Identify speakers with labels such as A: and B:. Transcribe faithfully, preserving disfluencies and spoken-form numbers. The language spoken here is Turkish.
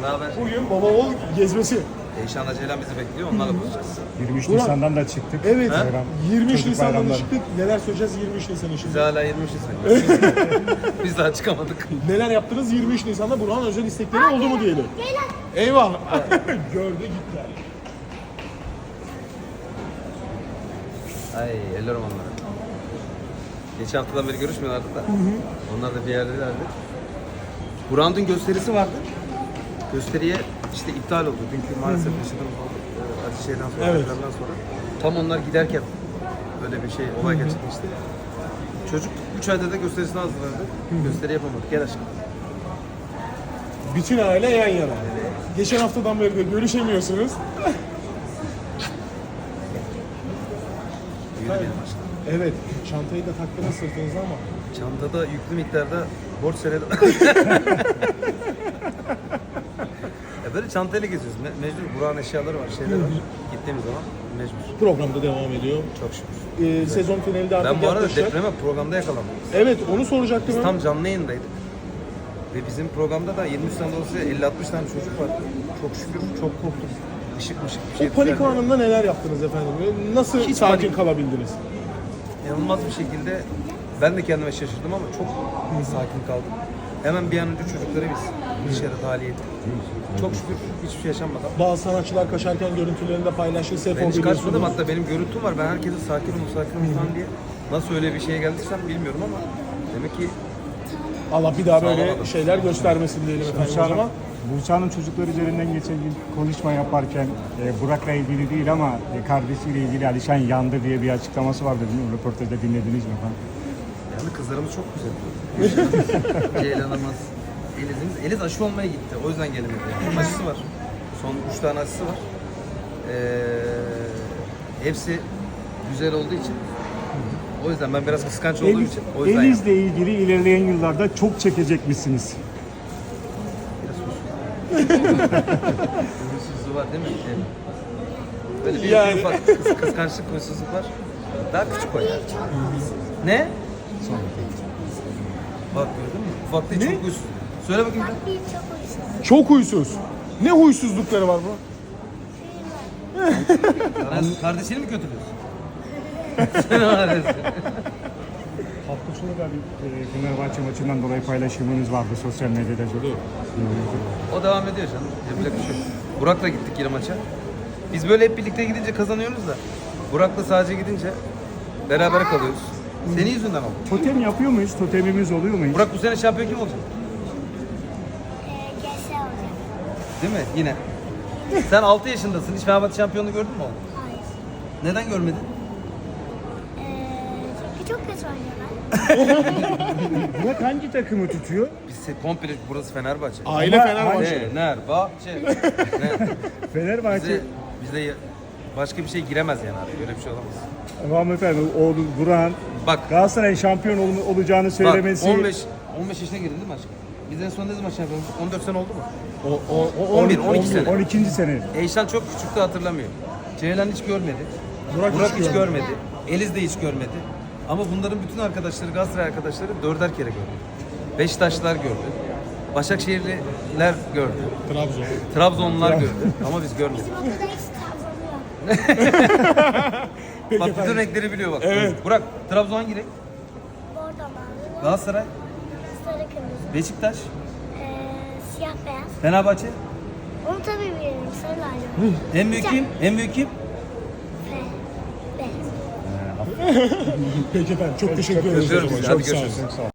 A: Ne haber?
B: Bugün baba oğul gezmesi.
A: Eyşan'la Ceylan bizi bekliyor. Onlarla buluşacağız.
C: yirmi üç
B: Burak.
C: Nisan'dan da çıktık.
B: Evet.
C: Bayram,
B: yirmi üç
C: çocuk
B: Nisan'dan
C: bayramları.
B: çıktık. Neler söyleyeceğiz yirmi üç Nisan için?
A: Biz hala yirmi üç Nisan. Biz daha çıkamadık.
B: Neler yaptınız yirmi üç Nisan'da? Burak'ın özel istekleri oldu mu diyelim. Eyvah. Gördü gitti.
A: Ay ellerim onları. Geçen haftadan beri görüşmüyorlardı da. Onlar da bir yerdelerdi. Burak'ın dün gösterisi vardı. Gösteriye işte iptal oldu. Dünkü maalesef yaşadığımız oldu. Ee, acı şeyden sonra,
B: Evet.
A: depremden sonra. Tam onlar giderken böyle bir şey, olay gerçekleşti. Çocuk üç ayda da gösterisini hazırladı. Gösteri yapamadık. Gel aşkım.
B: Bütün aile yan yana. Geçen haftadan beri de görüşemiyorsunuz.
A: Yürü benim aşkım.
B: Evet. Çantayı da taktınız sırtınıza ama.
A: Çantada yüklü miktarda borç senedi. Ya böyle çantayla geziyoruz. Me- mecbur. Burak'ın eşyaları var, şeyler var. Gittiğimiz zaman mecbur.
B: Programda devam ediyor.
A: Çok şükür.
B: Ee, sezon finali de artık
A: Ben bu arada
B: yaklaşacak.
A: depreme programda yakalandım.
B: Evet onu soracaktım.
A: Biz
B: ben.
A: tam canlı yayındaydık. Ve bizim programda da yirmi üç tane dolayısıyla elli altmış tane çocuk var. Çok şükür çok korktuk. Işık mışık bir şey
B: O panik
A: düzeldi.
B: anında neler yaptınız efendim? Nasıl
A: Hiç
B: sakin
A: panik.
B: kalabildiniz?
A: İnanılmaz bir şekilde ben de kendime şaşırdım ama çok sakin kaldım. Hemen bir an önce çocukları biz dışarı tahliye ettik. Çok şükür hiçbir şey yaşanmadan.
B: Bazı sanatçılar kaçarken görüntülerini de paylaştı. Sefo
A: Ben hiç
B: biliyorsunuz.
A: kaçmadım, hatta benim görüntüm var. Ben herkese sakin olun, sakin olun falan diye. Nasıl öyle bir şeye geldiysem bilmiyorum ama demek ki
B: Allah bir daha böyle
A: Sağlamadım.
B: şeyler göstermesin diyelim efendim o
C: Buse
B: zaman.
C: Hanım, Buse Hanım çocuklar üzerinden geçen gün konuşma yaparken e, Burak'la ilgili değil ama e, kardeşiyle ilgili Alişan yandı diye bir açıklaması vardı. Bilmiyorum, röportajda dinlediniz mi falan?
A: yani kızlarımız çok güzel. Ceylan'ımız, Eliz'imiz. Eliz aşı olmaya gitti. O yüzden gelemedi. Yani. Aşısı var. Son üç tane aşısı var. Ee, hepsi güzel olduğu için. O yüzden ben biraz kıskanç olduğum
C: Eliz,
A: için. O yüzden
C: Eliz'le ilgili ilerleyen yıllarda çok çekecekmişsiniz.
A: huysuzluğu var değil mi? Evet. Böyle bir
B: Yani.
A: ufak kıs- kıskançlık, huysuzluk var. Daha küçük o yani. Ne? Bak gördün mü? Ufak değil,
B: Ne?
A: çok huysuz. Söyle bakayım. bir.
D: Bir çok hoşuma.
B: Çok huysuz. Ne huysuzlukları var bu?
A: Sen kardeşini mi kötülüyorsun? Sen öylesin.
C: Hafta sonu da bir e, Fenerbahçe maçından dolayı paylaşımınız vardı sosyal medyada.
A: O devam ediyor canım. Yapacak bir şey yok. Burak'la gittik yine maça. Biz böyle hep birlikte gidince kazanıyoruz da Burak'la sadece gidince beraber kalıyoruz. Senin yüzünden oldu.
C: Totem yapıyor muyuz? Totemimiz oluyor mu hiç?
A: Burak bu sene şampiyon kim olacak?
D: Ee, Gençler olacak.
A: Değil mi? Yine. Sen altı yaşındasın. Hiç Fenerbahçe şampiyonluğu gördün mü oğlum?
D: Hayır.
A: Neden görmedin?
D: Ee, çünkü çok kötü oynuyorlar.
C: Burak hangi takımı tutuyor?
A: Biz se- komple burası Fenerbahçe.
B: Aile
C: Ama
B: Fenerbahçe.
A: Fenerbahçe. Ne?
C: Fenerbahçe.
A: Bize, bize başka bir şey giremez yani abi. Böyle bir şey olamaz.
C: Tamam efendim, oğlu Burak'ın
A: Bak,
C: Galatasaray şampiyon ol- olacağını söylemesi.
A: bak on beş on beş yaşına girdin değil mi aşkım? Biz en son ne zaman şampiyon olduk? on dört sene oldu mu?
B: O, o, o,
A: on bir, on iki sene.
C: on ikinci sene.
A: Eyşan çok küçüktü, hatırlamıyor. Ceylan hiç görmedi.
B: Burak
A: Burak,
B: hiç
A: hiç
B: görmedi.
A: görmedi. Eliz de hiç görmedi. Ama bunların bütün arkadaşları, Galatasaray arkadaşları dörder kere gördü. Beşiktaşlılar gördü. Başakşehirliler gördü.
B: Trabzon.
A: Trabzonlular gördü. Ama biz görmedik.
D: Okulda hiç Trabzon'u yok.
B: Peki
A: Bak bütün
B: efendim.
A: renkleri biliyor bak.
B: Evet.
A: Burak, Trabzon hangi renk?
D: Bordo mavi,
A: Galatasaray,
D: sarı kırmızı,
A: Beşiktaş,
D: ee, siyah beyaz.
A: Fenerbahçe.
D: Onu tabii bilirim. Sarı lacivert.
A: En büyük kim? En büyük kim?
D: Fe. Beyaz.
B: Peki efendim çok teşekkür ederiz.
A: Öpüyorum
B: o zaman.
A: sizi. Hadi
B: Çok sağ olun.
A: görüşürüz.
C: Çok sağ ol.